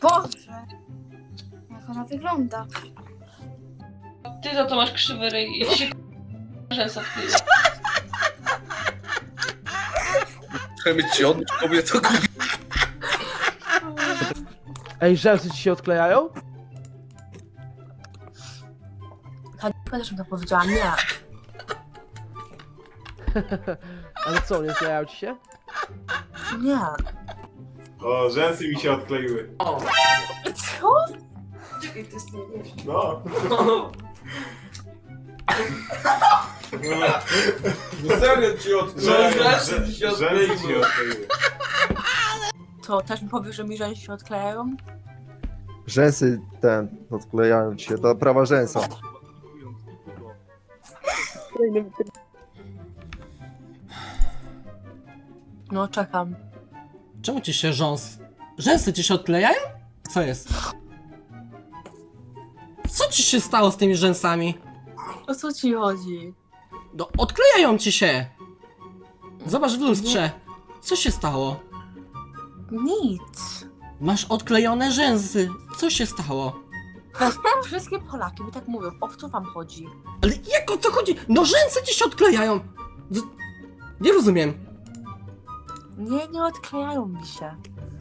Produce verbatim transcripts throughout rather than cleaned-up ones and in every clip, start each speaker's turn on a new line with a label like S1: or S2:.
S1: Boże! Jak ona wygląda?
S2: Ty za to masz krzywy ryj i się rzęsa wkleja.
S3: Trzeba mieć ci odbić kobieto.
S4: Ej, rzęsy ci się odklejają?
S5: Hanika też mi to powiedziała, nie.
S4: Ale co, nie sklejają ci się?
S5: Nie.
S6: O, rzęsy mi się odkleiły.
S5: Co?
S2: Czekaj, to jest nie
S6: No. No serio ci odkleiły.
S3: Rzęsy ci się odkleiły.
S6: Rzęsy ci odkleiły.
S5: Co, też mi powiesz, że mi rzęsy się odklejają?
S7: Rzęsy ten, odklejają ci się, to prawa rzęsa.
S5: No, czekam.
S8: Czemu ci się rząs... Rzęsy ci się odklejają? Co jest? Co ci się stało z tymi rzęsami?
S5: O co ci chodzi?
S8: No, odklejają ci się! Zobacz w lustrze. Co się stało?
S5: Nic.
S8: Masz odklejone rzęsy. Co się stało?
S5: Weź, wszystkie Polaki mi tak mówią, o co wam chodzi?
S8: Ale jak o co chodzi? No rzęsy ci się odklejają! Z... Nie rozumiem.
S5: Nie, nie odklejają mi się.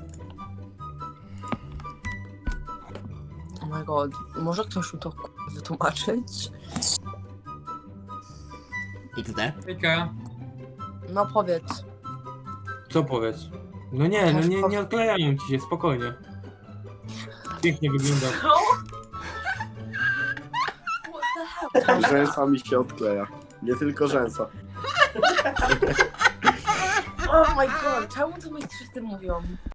S5: Oh my god, może ktoś mi to k***a wytłumaczyć?
S8: iks de.
S9: Hejka,
S5: No powiedz.
S9: co powiedz? No nie, no nie, nie odklejają ci się, spokojnie. Pięknie wygląda.
S5: What the hell?
S10: Rzęsa mi się odkleja. Nie tylko rzęsa.
S5: Oh my god, czemu to mi wszyscy mówią?